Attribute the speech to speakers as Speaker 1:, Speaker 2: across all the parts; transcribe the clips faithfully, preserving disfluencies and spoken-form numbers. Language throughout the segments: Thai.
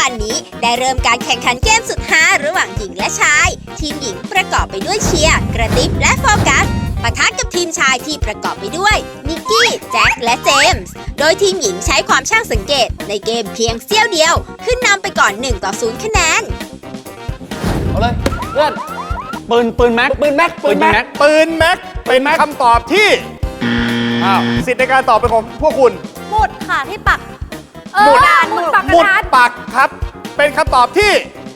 Speaker 1: บันนี้ได้เริ่มการแข่งขันเกมสุดฮาระหว่างหญิงและชายทีมหญิงประกอบไปด้วยเชียร์กระติบและโฟกัสปะทะกับทีมชายที่ประกอบไปด้วยนิกกี้แจ็คและเจมส์โดยทีมหญิงใช้ความช่างสังเกตในเกมเพียงเสี้ยวเดียวขึ้นนำไปก่อนหนึ่งต่อศูนย์คะแนน
Speaker 2: เอาเลยเพื่อนปืนปืนแม็กปืนแม็กปืนแม็ก
Speaker 3: ปืนแม็กเป็นคำตอบที่อ้าวสิทธิ์ในการตอบเป็นของพวกคุณ
Speaker 4: หมุดค่ะที่ปัก
Speaker 3: หมุด
Speaker 4: หมุดปัก
Speaker 3: หมุดปักครับเป็นคำตอบที่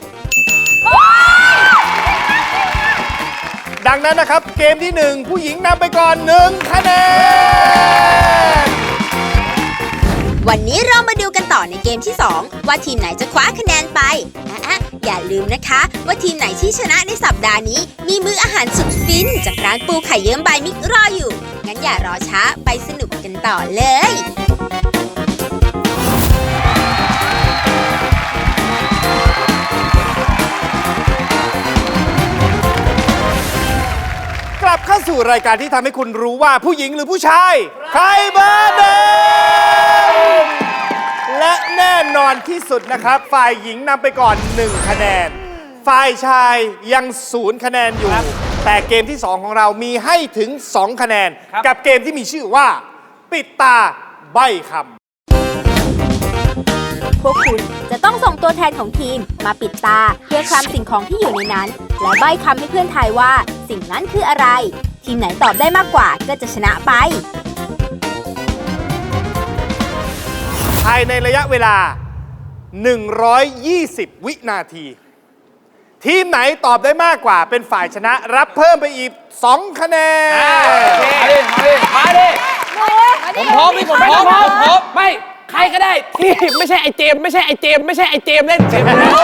Speaker 3: ดังนั้นนะครับเกมที่หนึ่งผู้หญิงนำไปก่อนหนึ่งคะแนน
Speaker 1: วันนี้เรามาดูกันต่อในเกมที่สองว่าทีมไหนจะคว้าคะแนนไปอ่ะอย่าลืมนะคะว่าทีมไหนที่ชนะในสัปดาห์นี้มีมื้ออาหารสุดฟินจากร้านปูไข่เยิ้มบายมิกรออยู่งั้นอย่ารอช้าไปสนุกกันต่อเลย
Speaker 3: กลับเข้าสู่รายการที่ทำให้คุณรู้ว่าผู้หญิงหรือผู้ชายใครเบอร์เดิมและแน่นอนที่สุดนะครับฝ่ายหญิงนำไปก่อนหนึ่งคะแนนฝ่ายชายยังศูนย์คะแนนอยู่แต่เกมที่สองของเรามีให้ถึงสองคะแนนกับเกมที่มีชื่อว่าปิดตาใบ้คำ
Speaker 1: พวกคุณจะต้องส่งตัวแทนของทีมมาปิดตาเพื่อคลำสิ่งของที่อยู่ในนั้นและใบ้คำให้เพื่อนทายว่าสิ่งนั้นคืออะไรทีมไหนตอบได้มากกว่าก็จะชนะไป
Speaker 3: ภายในระยะเวลาหนึ่งร้อยยี่สิบวินาทีทีมไหนตอบได้มากกว่าเป็นฝ่ายชนะรับเพิ่มไปอีกสองคะแนน
Speaker 2: มาดิมาดิผมพร้อมพี่ผมพร้อมผมพร้อมไม่ใครก็ได้ที่ไม่ใช่ไอเจมไม่ใช่ไอเจมไม่ใช่ไอเจมเล่นเจม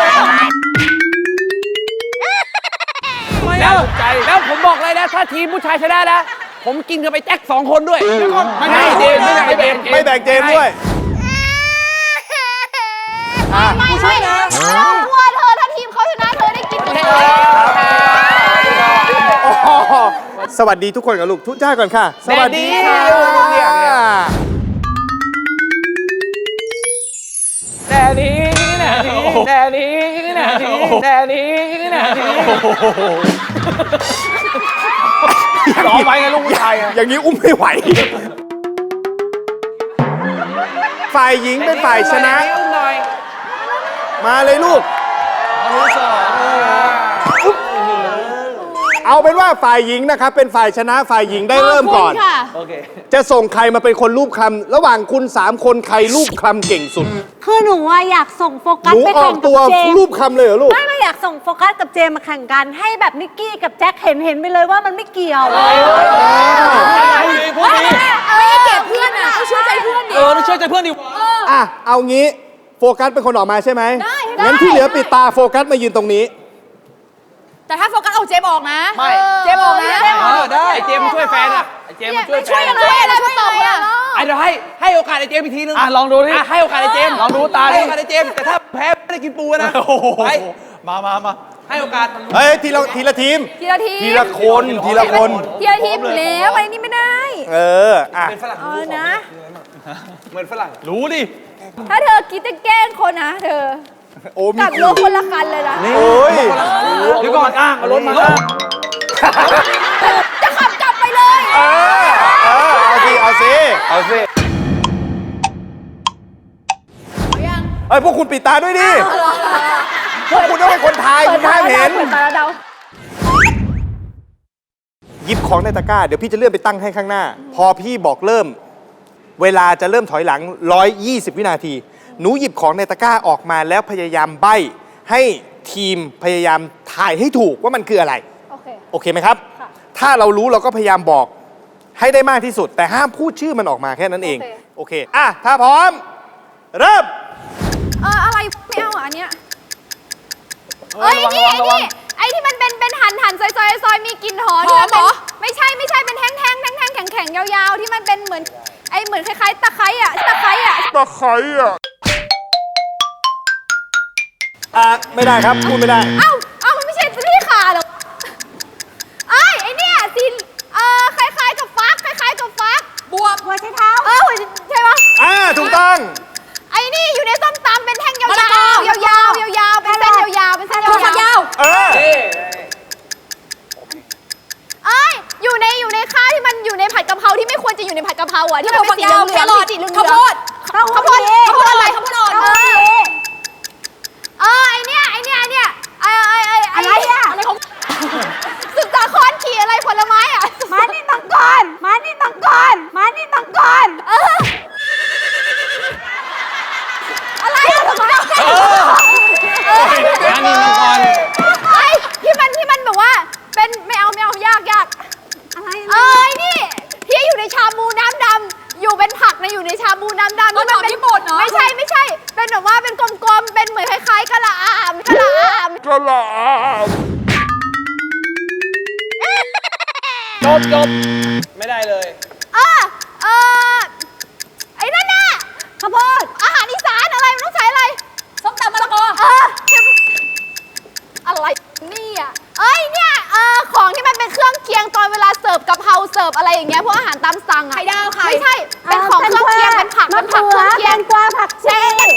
Speaker 2: แล้วแล้วผมบอกเลยนะถ้าทีมผู้ชายชนะนะผมกินกันไปแจ็คสองคนด้วยไม่ใช่เจมไม่ใช่เจม
Speaker 3: ไม่แบ่งเจมด้วย
Speaker 4: ไม่ใช่นะว่าเธอถ้าทีมเขาชนะเธอได้กินเลย
Speaker 3: สวัสดีทุกคนกับลูกทุกท่าก่อนค่ะสวัสดีค่ะ
Speaker 2: แต่นี้นะนี้แต่นี้นะนี้แต่นี้นะนี้ร้องไปไงลูกผู้ชาย
Speaker 3: อย่างนี้อุ้มไม่ไหวฝ่ายหญิงเป็นฝ่ายชนะมาเลยลูกเอาเป็นว่าฝ่ายหญิงนะครับเป็นฝ่ายชนะฝ่ายหญิงได้เริ่มก่อนจะส่งใครมาเป็นคนรูปคลำระหว่างคุณสามคนใครรูปคลำเก่งสุด
Speaker 4: คือหนูว่าอยากส่งโฟกัสไปแข่งกับเจม
Speaker 3: รูปคลำเลยเหรอลูก
Speaker 4: ไม่ไม่อยากส่งโฟกัสกับเจมมาแข่งกันให้แบบนิกกี้กับแจ็คเห็นเห็นไปเลยว่ามันไม่เกี่ยวเลยไม่เก็บเพื่อนอ่ะเชื่อใจเพื่อนดิ
Speaker 2: เออเชื่อใจเพื่อนดิ
Speaker 3: อ่ะเอางี้โฟกัสเป็นคนออกมาใช่ไหมงั้นที่เหลือปิดตาโฟกัสมายืนตรงนี้
Speaker 4: แต่ถ้าโฟกัสเอาเจมออกนะ
Speaker 2: ไม่
Speaker 4: เจมออกนะ
Speaker 2: เออได้ไอเจมช่วยแฟนอ่ะไอเจมช่วย
Speaker 4: ช่วยยังไงอะไรช่วยตอบอ่ะ
Speaker 2: ไอเดี๋ยวให้ให้โอกาสไอเจมอีกทีนึง
Speaker 5: อ่ะลองดูดิ
Speaker 2: ให้โอกาสไอเจม
Speaker 5: ลองดูตา
Speaker 2: ให้โอกาสไอเจมแต่ถ้าแพ้ไม่ได้กินปูนะไป
Speaker 5: มามามา
Speaker 2: ให้โอกาส
Speaker 3: เฮ้ยทีละทีละทีม
Speaker 4: ทีละทีม
Speaker 3: ทีละคนทีละคน
Speaker 4: ทีละทีมแล้วอะไรนี่ไม่ได้
Speaker 3: เอออ่ะ
Speaker 2: เป็นฝรั่ง
Speaker 4: เออนะ
Speaker 2: เหมือนฝรั่ง
Speaker 5: รู้ดิ
Speaker 4: ถ้าเธอคิดจะแกล้งคนนะเธอกับรถคนละคันเลยนะ
Speaker 3: โอ้ย
Speaker 5: เดี๋ยวก่อนอ้างเอารถมา
Speaker 4: จะขับกลับไปเลย
Speaker 3: เออเออเอาสิเอาสิ
Speaker 5: เอาสิ
Speaker 3: เอ้ยพวกคุณปิดตาด้วยดิพวกคุณต้องเป็นคนทายคุณห้ามเห็นหยิบของในตะกร้าเดี๋ยวพี่จะเลื่อนไปตั้งให้ข้างหน้าพอพี่บอกเริ่มเวลาจะเริ่มถอยหลังหนึ่งร้อยยี่สิบวินาทีหนูหยิบของในตะกร้าออกมาแล้วพยายามใบ้ให้ทีมพยายามทายให้ถูกว่ามันคืออะไรโอเคโอเคไหมครับถ้าเรารู้เราก็พยายามบอกให้ได้มากที่สุดแต่ห้ามพูดชื่อมันออกมาแค่นั้นเองโอเคอ่ะถ้าพร้อมเริ่ม
Speaker 4: เอออะไรไม่เอาอันเนี้ยเอ้ยนี่ไอ้นี่ไอ้ที่มันเป็นเป็นหั่นหั่นซอยซอยซอยมีกลิ่นหอมเหรอไม่ใช่ไม่ใช่เป็นแท่งแท่งแท่งแท่งแข็งแข็งยาวๆที่มันเป็นเหมือนไอ้เหมือนคล้ายๆตะไคร้อ่ะตะไคร้อ่ะ
Speaker 3: ตะไคร้อ่ะอ่ะไม่ได้ครับพูดไม่ได้
Speaker 4: เอ้าเอ้ามันไม่ใช่ที่ขาหรอไอ้ไอ้เนี่ยสิเอ่อคล้ายๆกับฟักคล้ายๆกับฟักบวบหัวใช้เท้าเออใช่ปะ
Speaker 3: อ่าถูกต้อง
Speaker 4: ไอ้นี่อยู่ในส้มตำเป็นแท่งยาวๆยาวลืองสีเหลืองข้าวโพดข้าวโพดข้าวโพดอะไรข้าวโพดอ่อนเออเออไอเนี้ยไอเนี้ยไอเนี้ยไอไอไออะไรอะอะไรของสุดสาครขี่อะไรผลไม้อะมานี่ตังกอนมานี่ตังกอนมานี่ตังกอนเอออะไรอะทำไมเออ
Speaker 2: อันนี้มังกร
Speaker 4: ไอ้ที่มันที่มันแบบว่าเป็นไม่เอาไม่เอายากยากอะไรเอ้ยนี่ที่อยู่ในชาบูน้ำดำอยู่เป็นผักนะอยู่ในชาบูน้ำดำที่มันเป็นญี่ปุ่นเนาะไม่ใช่ไม่ใช่เป็นแบบว่าเป็นกลมๆเป็นเหมือนคล้ายๆกะหล่ำกะหล่ำ
Speaker 3: กระหล่
Speaker 2: จบจบไม่ได้เลย
Speaker 4: เออเออไอ้นั่นน่ะข้าวโพดอาหารอีสานอะไรมันต้องใช้อะไรส้มตำมะละกอเอออะไรนี่อ่ะเอ้ยเนี่ยเออของที่มันเป็นเครื่องเคียงตอนเวลาเสิร์ฟกะเพราเสิร์ฟอะไรอย่างเงี้ยพวกอาหารตามสั่งอ่ะไข่ดาวไข่ไม่ใช่เป็นของเครื่องเคียงเป็นผักเป็นผักเครื่องเคียงแตงกวาผักชี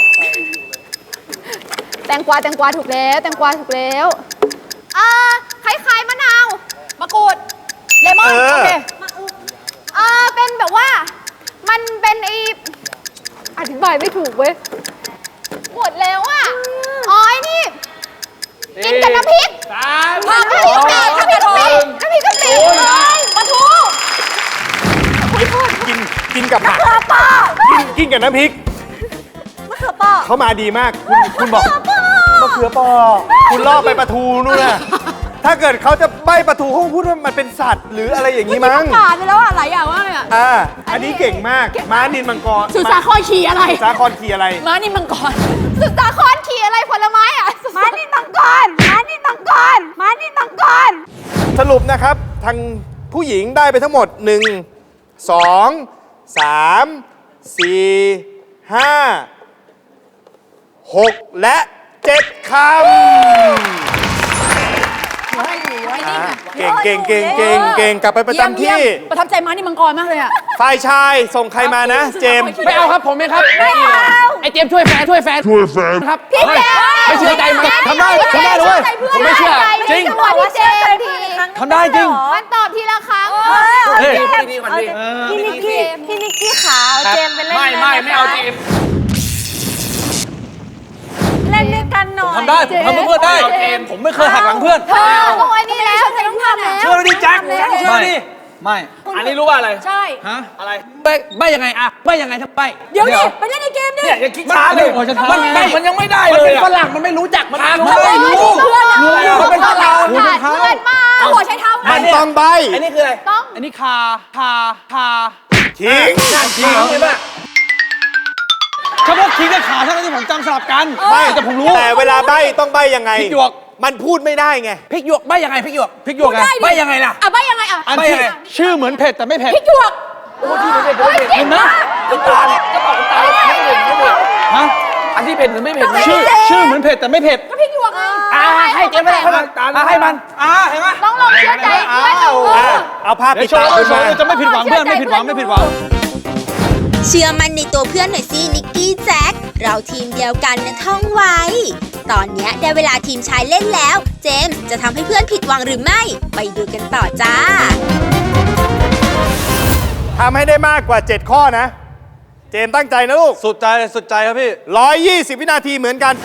Speaker 4: แตงกวาแตงกวาถูกแล้วแตงกวาถูกแล้วอ่าคล้ายๆมะนาวมะกรูดเลมอนโอเคอ่าเป็นแบบว่ามันเป็นไออธิบายไม่ถูกเว้ยหมดแล้วอ่ะอ๋อไอ้นี่กินกับน้ำพริก
Speaker 2: สาม
Speaker 4: น้ำพริกกะปิน้ำพริกกะปิน้ำพริกกะปิปลาทู
Speaker 3: กินกินกับผักกินกินกับน้ำพริก
Speaker 4: มะเขือเปราะ
Speaker 3: เขามาดีมาก คุณคุณบอกมะเขือเปอคุณล่อไปปลาทูนู่นน่ะถ้าเกิดเขาจะใบ้ปลาทูเขาพูดว่ามันเป็นสัตว์หรืออะไรอย่างนี้มั้ง
Speaker 4: ขาดไปแล้วอะหลายอย่างมากเลยอะ
Speaker 3: อ่าอันนี้เก่งมากม้านินมังกร
Speaker 4: สุสาครขี่อะไร
Speaker 3: สาครขี่อะไร
Speaker 4: ม้านี่มังกรสุสาครขี่อะไรผลไม้อะม้านี่มังกรม้านี่มังกรม้านี่มังกร
Speaker 3: สรุปนะครับทางผู้หญิงได้ไปทั้งหมด 1 2 3 4 ห้า หก และ เจ็ด คำเก่งเก่งเก่งเก่งเก่งกลับไปประจำที่
Speaker 4: ประทับใจม้านี่มังกรมากเลยอะ
Speaker 3: ฝ่ายชายส่งใครมานะ เจมส์
Speaker 2: ไม่เอาครับผมเองครับไม่เอาไอเจมส์ช่วยแฟนช่วยแฟนช่วยแฟนครับ
Speaker 4: พี่เจมส์
Speaker 2: ไม่เชื่อใจมันทำได้ทำได้ด้วยผมไม่เชื่อจริง
Speaker 4: บอกว่าเจมส์ที
Speaker 2: ทำได้จริง
Speaker 4: มันตอบทีละครั้ง
Speaker 2: เฮ้ยดีกว่านี้
Speaker 4: พี่นิกกี้พี่นิกกี้ขาวเจมส์ไปเล่น
Speaker 2: ไม่ไม่ไม่เอาเจมส์
Speaker 4: เล่นด้วยกันหน่อย
Speaker 5: ทำได้ผมทำเพื่อนได้ ผมไม่เคยหักหลังเพื่อน
Speaker 4: เธอโอ้ยนี่แล้วจะต้องทำแล้ว
Speaker 5: เชื่อดิแจ็คเชื่อดิไม่
Speaker 2: อันนี้รู้ว่าอะไร
Speaker 4: ใช่
Speaker 5: ฮะ
Speaker 2: อะไรใบใบยังไงอะใบยังไงทั้งใบ
Speaker 4: เดี๋ยวดิไปเล่นในเกมดิ
Speaker 5: เนี่ยอย่าคิดช้าเลยมันไม่มันยังไม่ได้
Speaker 2: มัน
Speaker 5: เล
Speaker 2: เป็
Speaker 5: ย
Speaker 2: น
Speaker 5: อะ
Speaker 2: ฝรั่งมันไม่รู้จักมันไม่รู้
Speaker 5: มันไม่รู้
Speaker 2: รู้มันเป็นฝรั่ง
Speaker 4: เพื่อนมาหัวใช้เท้า
Speaker 3: มันต้องใบ
Speaker 2: อันนี้คืออะไร
Speaker 4: ต้อง
Speaker 2: อันนี้คาคาคา
Speaker 3: ทิ้ง
Speaker 2: จริงเห็นป่ะ
Speaker 5: เฉพาะคิงกับขาเท่านั้นที่ผมจำสลับกัน
Speaker 3: ไม่
Speaker 5: แต่ผมรู้
Speaker 3: แต่เวลาใบต้องใบยังไง
Speaker 5: พริกหยวก
Speaker 3: มันพูดไม่ได้ไง
Speaker 2: พริกหยวกใบยังไงพริกหยวก
Speaker 5: พริกหยวกไง
Speaker 2: ใบยังไงล่ะ
Speaker 4: อ่ะใบยังไงอ่ะ
Speaker 5: อัน
Speaker 2: ไม่
Speaker 5: ที่
Speaker 2: ไง
Speaker 5: ชื่อเหมือนเผ็ดแต่ไม่เผ็ด
Speaker 4: พริกหยวก
Speaker 5: เห็นไหม
Speaker 2: น้ำตาลก็บอกน้ำตาลไม่เผ็ดไม่เผ็ด
Speaker 5: ฮะ
Speaker 2: อันที่เผ็ดหรือไม่เผ็ด
Speaker 5: ชื่อชื่อเหมือนเผ็ดแต่ไม่เผ็ด
Speaker 4: ก็พริกหยวกไง
Speaker 2: อ่าให้เจ๊ไม่ได้ให้มันอ่าให้มัน
Speaker 5: อ่าเห็นไหม
Speaker 4: ต้องลองเชื่อใจเพื่อนเอ
Speaker 3: อ่ะ
Speaker 4: อ
Speaker 3: เอาภาพ
Speaker 5: เดี๋
Speaker 3: ปิ
Speaker 5: ย
Speaker 3: ด
Speaker 5: วโช
Speaker 3: ตา
Speaker 5: ว์
Speaker 3: คุณ
Speaker 5: เดี๋ยวโช
Speaker 3: มา
Speaker 5: ว์จะไม่ผิดหวังเพื่อนไม่ผิดหวังไม่ผิดหวัง
Speaker 1: เชื่อมันในตัวเพื่อนหน่อยสินิกกี้แจ็คเราทีมเดียวกันนะท่องไว้ ตอนเนี้ยได้เวลาทีมชายเล่นแล้ว เจมส์จะทำให้เพื่อนผิดหวังหรือไม่ ไปดูกันต่อจ้า
Speaker 3: ทำให้ได้มากกว่า เจ็ด ข้อนะ เจมส์ตั้งใจนะลูก
Speaker 5: สุดใจสุดใจครับพี่
Speaker 3: หนึ่งร้อยยี่สิบ วินาทีเหมือนกัน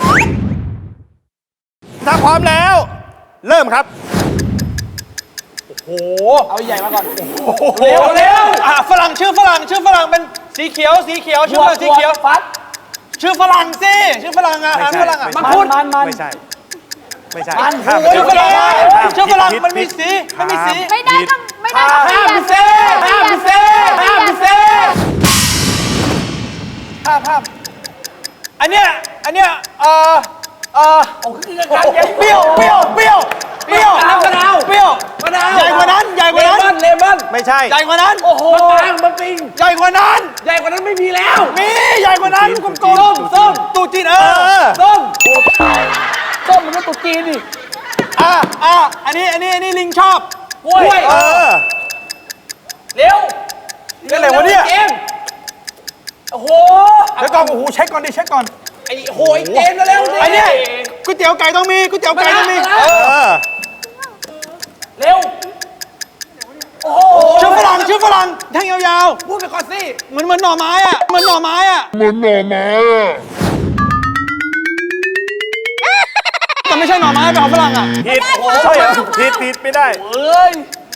Speaker 3: ถ้าพร้อมแล้ว เริ่มครับ
Speaker 5: โอ้
Speaker 2: เอาใหญ่มาก่อน
Speaker 5: โหเร็วเร็วอ่ะฝรั่งชื่อฝรั่งชื่อฝรั่งเป็นสีเขียวสีเขียวชื่อฝรั่งสีเขียว
Speaker 2: ฟัด
Speaker 5: ชื่อฝรั่งสิชื่อฝรั่งอาหารฝรั่งอ่ะ
Speaker 3: ไม่
Speaker 5: มั
Speaker 3: ใช่
Speaker 5: งคุด
Speaker 2: มันมัน
Speaker 3: ไม่ใช่ ไม่ใช่
Speaker 2: มัน
Speaker 3: ข้ามไป
Speaker 5: ชื่อฝรั่ง
Speaker 3: ข้าม
Speaker 5: ชื่อฝรั่ง
Speaker 3: ผิด
Speaker 5: มันมี
Speaker 3: ผิด
Speaker 5: สีมันมีสี
Speaker 4: ไม่ได้ต้องไม่ได้ต้อง
Speaker 2: ห้ามพิเศษห้ามพิเศษห้ามพิเศษ
Speaker 5: ภาพภาพอันเนี้ยอันเนี้ยเอ่อเอ่อ
Speaker 2: โอ้คือกัน
Speaker 5: เปรี้ยวเปรี้ยวเปรี้ยวเปรี้ยว
Speaker 2: มะนาว
Speaker 5: เปรี้ยว
Speaker 2: มะนาว
Speaker 5: ใหญ่กว่านั้นใหญ่ก
Speaker 2: เล
Speaker 5: ว่านั้น
Speaker 2: มอนเลมอน
Speaker 3: ไม่ใช่
Speaker 5: ใหญ่กว่านั้น
Speaker 2: โอ้โหมะปรางมะปิง
Speaker 5: ใหญ่กว่านั้น
Speaker 2: ใหญ่กว่านั้นไม่มีแล้ว
Speaker 5: มีใหญ่กว่านั้นกลมๆ
Speaker 2: ส้มส้ม
Speaker 5: ตูจีนเอ
Speaker 3: เอ
Speaker 5: อ
Speaker 3: อ
Speaker 2: ส้มส้มมันก็ตุกจีนดิ
Speaker 5: อ่ะอ่ะอันนี้อันนี้อันนี้ลิงชอบ
Speaker 2: กล้วย
Speaker 3: เออ
Speaker 2: เร็ว
Speaker 5: นี่อะไรวะเนี่ย
Speaker 2: เจมส์โอ้โห
Speaker 5: เดี๋ยวก่อนโอ้โหเช็คก่อนดิเช็คก่อน
Speaker 2: ไอ้โหยเจมส์เร็วๆ
Speaker 5: ไอ้เนี่ยก๋วยเตี๋ยวไก่ต้องมีก๋วยเตี๋ยวไก่ต้องมี
Speaker 2: มาแล้ว
Speaker 5: เออ
Speaker 3: เออ
Speaker 2: เร็ว โอ้โห
Speaker 5: ชื่อฝรั่งชื่อชื่อฝรั่งแท่งยาว
Speaker 2: พูดไปก่อนสิ
Speaker 5: ๆเหมือนเหมือนหน่อไม้อะเหมือนหน่อไม้อะเหมือนหน่อไม้อะแต่ไม่ใช่หน่อไม้เป็นของฝรั่งอะ
Speaker 3: ผิดใช่เหรอผิดผิดไม่ได้
Speaker 2: เอ้ย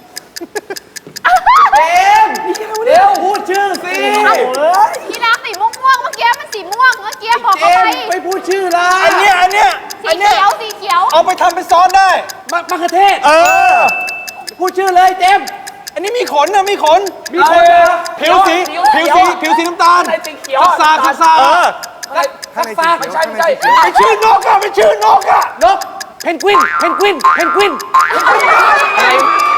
Speaker 2: เจมส์เร็วพูดชื่อสิ
Speaker 4: พี่รักสีม่วงๆเมื่อกี้มันสีม่วงเมื่อกี้บอก
Speaker 2: เจ
Speaker 4: เขาไป
Speaker 2: มส์ไม่พูดชื่อละ
Speaker 5: อันเนี้ยอันเนี้ย
Speaker 4: สี
Speaker 5: อันเนี้ย
Speaker 4: เขียวสีเขียว
Speaker 5: เอาไปทำเป็นซอสได้
Speaker 2: มะมะเขือเทศ
Speaker 5: เออ
Speaker 2: พูดชื่อเลยเจมส์
Speaker 5: อันนี้มีขนนะมีขน
Speaker 2: มีขนเหรอ
Speaker 5: ผิวสี ผิวสี ผิวสีน้ำตาล
Speaker 2: อะไรสีเขียว
Speaker 5: ซาซาซา
Speaker 3: เออ
Speaker 2: อะไรฟักฟากไม่ใช่ไม่ใช่
Speaker 5: ไอชื่อนกอะไม่ชื่อนกอะ
Speaker 2: นกเพนกวินเพนกวินเพนกวินอะไร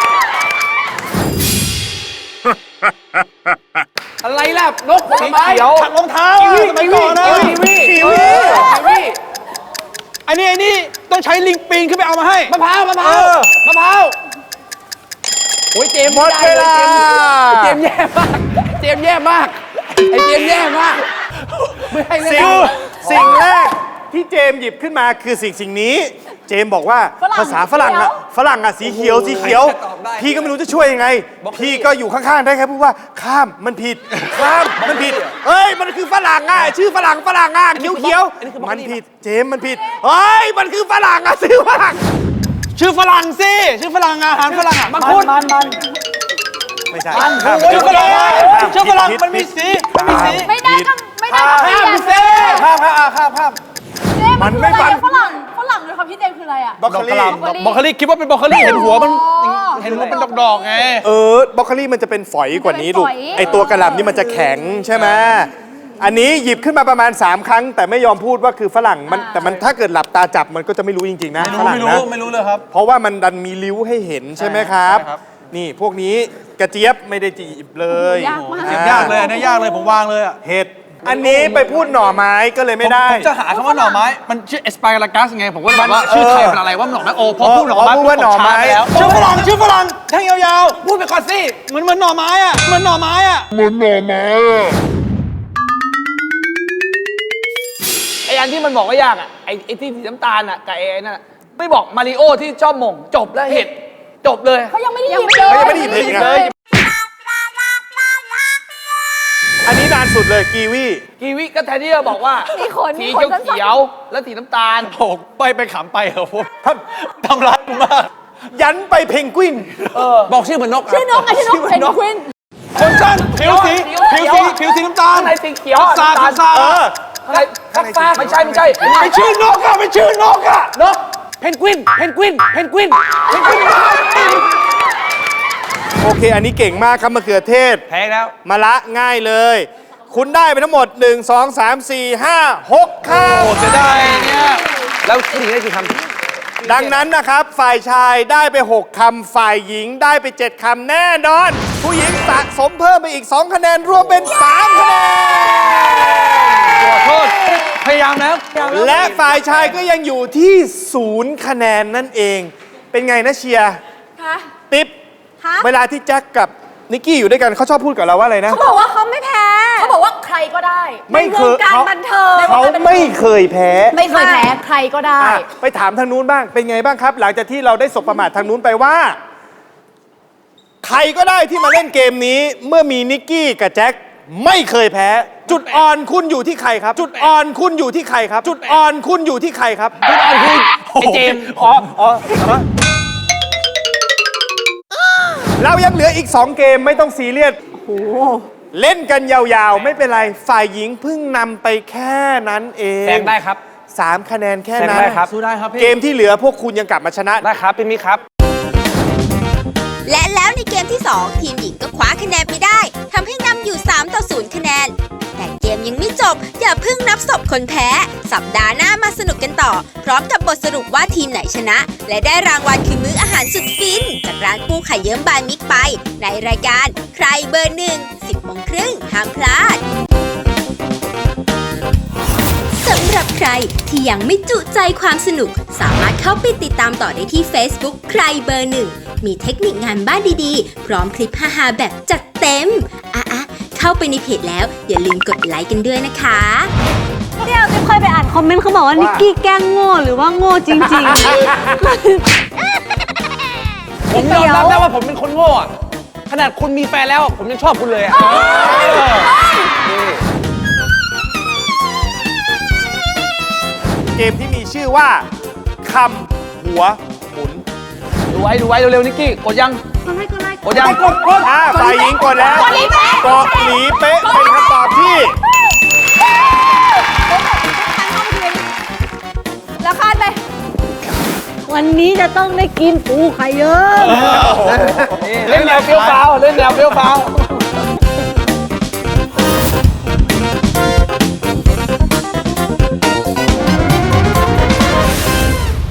Speaker 2: อะไรล่ะนก
Speaker 5: สี
Speaker 2: ทำไม
Speaker 5: เขียวขัดรองเท้าอะสมัยก่อนนะ
Speaker 2: กีวี
Speaker 5: กี
Speaker 2: กี
Speaker 5: วี
Speaker 2: วีกีวี
Speaker 5: อันนี้อันนี้ต้องใช้ลิงปีนขึ้นไปเอามาให้
Speaker 2: มะพร้าวมะพร้า
Speaker 5: เอ
Speaker 2: ว
Speaker 5: อ
Speaker 2: มะพร้าวโอ้ยเจมส์
Speaker 3: หมดเวลา
Speaker 2: เจมส์แย่มากเจมส์แย่มากไอเจมส์แย่มากไม่ให้เล่
Speaker 3: สิ่ง
Speaker 2: น
Speaker 3: สิ่งแรกที่เจมส์หยิบขึ้นมาคือสิ่งสิ่งนี้ เจมส์บอกว่าภาษาฝรั่งอะฝรั่งอะสีเขียวสีเขียว พี่ก็ไม่รู้จะช่วยยังไง พี่ก็อยู่ข้างๆได้แค่พูดว่าข้ามมันผิดข้ามมันผิดเฮ้ยมันคือฝรั่งอะชื่อฝรั่งฝรั่งอะเขียวเขียวๆมันผิดเจมส์มันผิดเฮ้ยมันคือฝรั่งอะชื่อฝรั่ง
Speaker 5: ชื่อฝรั่งสิชื่อฝรั่งอาหารฝรั่งอะ
Speaker 2: มังคุดมันมัน
Speaker 3: ไม่ใช่
Speaker 5: ชื่อฝรั่งชื่อฝรั่งมันมีสีมันมีสี
Speaker 4: ไม่ได้ก็ไม่ได้ก็ไม่ได้
Speaker 2: เซ่
Speaker 5: ข้ามข้ามอ่ะข้ามข้าม
Speaker 3: มันไม่ฟัน
Speaker 6: ฝรั่งฝรั่งเลยครับพี่เจมส์คืออะไรอ่ะ
Speaker 3: บรอกโคลี
Speaker 5: บรอกโคลีคิดว่าเป็นบรอกโคลีเห็นหัวมันเห็นหัวเป็นดอกๆไง
Speaker 3: เออบรอกโคลีมันจะเป็นฝอยกว่านี้ลูกไอตัวกระหล่ำนี่มันจะแข็งใช่ไหมอันนี้หยิบขึ้นมาประมาณ สาม ครั้ง แต่ไม่ยอมพูดว่าคือฝรั่งมันแต่มันถ้าเกิดหลับตาจับมันก็จะไม่รู้จริงๆนะ
Speaker 5: ไม่
Speaker 3: ฝ
Speaker 5: รู้
Speaker 3: รั่ง
Speaker 5: ไม่รู้
Speaker 3: นะ
Speaker 5: ไม่รู้เลยครับ
Speaker 3: เพราะว่ามันดันมีริ้วให้เห็นใช่ไหมครับ
Speaker 5: ใช่ครับ
Speaker 3: นี่พวกนี้กระเจี๊ยบไม่ได้จีบเลย
Speaker 4: ยากมาก
Speaker 5: เก็บยากเลยอันนี้ยากเลยผมวางเลยอ่ะ
Speaker 3: เห็ดอันนี้ไปพูดหน่อไม้ก็เลยไม่ได้
Speaker 5: ผมจะหาคำว่าหน่อไม้มันชื่อเอสปารากัสไงผมก็เลยแบบว่าชื่อไทยเป็นอะไรว่าหน่อไม้โอพอพูดหน่อไม้
Speaker 3: พูดว่าหน่อไม้
Speaker 5: แล้วชื่อฝรั่งชื่อฝรั่งแท่งยาว
Speaker 2: พูดไปก่อนสิ
Speaker 5: ๆเหมือนเหมือนหน่อไม้อ่ะเหมือนหน่อไม้อ่ะ
Speaker 2: ไออันที่มันบอกว่ายากอ่ะไอไอที่สีน้ำตาลอ่ะกับไอไอ้นั่นอะไม่บอกมาริโอที่ชอบหม่งจบแล้วเห็ดจบเลย
Speaker 6: เขายังไม่ได้ห
Speaker 4: ยั
Speaker 6: ยิ
Speaker 4: ง
Speaker 6: บ
Speaker 4: ไม่
Speaker 6: เล
Speaker 4: ได้
Speaker 6: ย
Speaker 3: ไม่ได้หยิบเลยอีกเลยอันนี้นานสุดเลยกีวี
Speaker 2: กีวิก็แทนที่จะบอกว่า
Speaker 4: มีขน
Speaker 2: สี
Speaker 4: มีขน
Speaker 2: เขียว
Speaker 4: สั้น
Speaker 2: ๆแล้วสีน้ำตาล
Speaker 5: โอ้โหไปไปขำไปเหรอผมทำร้ายกูมาก
Speaker 3: ยันไปเพนกวิน
Speaker 2: บอกชื่อเหมือนนก
Speaker 6: ชื่อนกอะชื่อนกเพนกวิน
Speaker 5: คนสั้นผิวสีผิวสีผิวสีน้ำตาล
Speaker 2: ข้างในสีเขียว
Speaker 5: ซา
Speaker 2: น้ำตาล
Speaker 5: ซา
Speaker 3: เออ
Speaker 2: ข้างในฟักฟ้าไม่ใช่ไม่ใช่
Speaker 5: ไม่ชื่อนกอ่ะไม่ชื่อนกอ่ะ
Speaker 2: นกเพนกวินเพนกวินเพนกวินเพนกวิน
Speaker 3: โอเค อันนี้เก่งมากครับมะเขือเทศ
Speaker 5: แพ้แล้ว
Speaker 3: มะละง่ายเลย คุณได้ไปทั้งหมด หนึ่ง สอง สาม สี่ ห้า หกค
Speaker 5: โอ้จะได้เนี่ย
Speaker 2: แล้วผู้หญิงได้กี่คำ
Speaker 3: ำดังนั้นนะครับ ฝ่ายชายได้ไป หก คำ ฝ่ายหญิงได้ไป เจ็ด คำแน่นอน ผู้หญิงสะสมเพิ่มไปอีก สอง คะแนน รวมเป็น สาม คะแนน
Speaker 5: ขอโทษพยายามแล้วพยายามแล้ว
Speaker 3: และฝ่ายชายก็ยังอยู่ที่ศูนย์คะแนนนั่นเอง เป็นไงนะเชียร์
Speaker 6: คะ
Speaker 3: ติ๊บ
Speaker 6: คะ
Speaker 3: เวลาที่แจ็คกับนิกกี้อยู่ด้วยกันเขาชอบพูดกับเราว่าอะไรนะ
Speaker 6: เขาบอกว่าเขาไม่แพ้ เขาบอกว่าใครก็ได้
Speaker 3: ไม่
Speaker 6: ใน
Speaker 3: เคว
Speaker 6: ง
Speaker 3: ย
Speaker 6: การ
Speaker 3: เขา
Speaker 6: บันเทิง
Speaker 3: เขาไม่เคยแพ้
Speaker 6: ไม่เคยแพ้ใครก็ได้
Speaker 3: อ่ะไปถามทางนู้นบ้าง เป็นไงบ้างครับ หลังจากที่เราได้สบประมาททางนู้นไปว่า ใครก็ได้ที่มาเล่นเกมนี้ เมื่อมีนิกกี้กับแจ็คไม่เคยแพ้ จุดอ่อนคุณอยู่ที่ใครครับ จุดอ่อนคุณอยู่ที่ใครครับ จุดอ่อนคุณอยู่ที่ใครครับ
Speaker 2: จุดอ่อนคือไอเจมส์
Speaker 3: อ๋ออ๋อเรายังเหลืออีก สอง เกมไม่ต้องซีเรียสเล่นกันยาวๆ ไม่เป็นไร ฝ่ายหญิงเพิ่งนำไปแค่นั้นเอง
Speaker 2: แซงได้ครับ
Speaker 3: สามคะแนนแค่
Speaker 2: แซง
Speaker 3: นั้น
Speaker 2: ได้ครับ
Speaker 5: สู้ได้ครับพี่
Speaker 3: เกมที่เหลือพวกคุณยังกลับมาชนะ
Speaker 2: ได้ครับพี่มิกครับ
Speaker 1: และแล้วในเกมที่ สอง ทีมหญิงก็คว้าคะแนนไปได้ทำให้นำอยู่ สามต่อศูนย์ คะแนน แต่เกมยังไม่จบ อย่าเพิ่งนับศพคนแพ้ สัปดาห์หน้ามาสนุกกันต่อ พร้อมกับบทสรุปว่าทีมไหนชนะ และได้รางวัลคือมื้ออาหารสุดฟิน จากร้านปูไข่เยิ้มบายมิกไป ในรายการใครเบอร์หนึ่ง สิบโมงครึ่งห้ามพลาด สำหรับใครที่ยังไม่จุใจความสนุก สามารถเข้าไปติดตามต่อได้ที่ Facebook ใครเบอร์หนึ่ง มีเทคนิคงานบ้านดีๆ พร้อมคลิปฮาๆแบบจัดเต็ม อ่ะๆเข้าไปในเพจแล้วอย่าลืมกดไลค์กันด้วยนะคะ
Speaker 6: เดี๋ยวจะเคยไปอ่านคอมเมนต์เขาบอกว่านิกกี้แกล้งโง่หรือว่าโง่จริง
Speaker 2: ผมยอมรับได้ว่าผมเป็นคนโง่อะขนาดคุณมีแฟนแล้วผมยังชอบคุณเลยอะ
Speaker 3: เกมที่มีชื่อว่าคำหัวหมุน
Speaker 2: ดูไว้ดูไว้เร็วๆนิกกี้กดยัง
Speaker 6: ก็ไล่ก็ไล่
Speaker 2: กดยัง
Speaker 3: อ่าฝ่ายหญิงกดแล้วเกาะหลีเป๊ะเป็นคำตอบที่
Speaker 4: แล้วคาดไป
Speaker 6: วันนี้จะต้องได้กินปูไข่เยอะ
Speaker 2: เล่นแนวเฟี้ยวฟ้าวเล่นแนวเฟี้ยวฟ้าว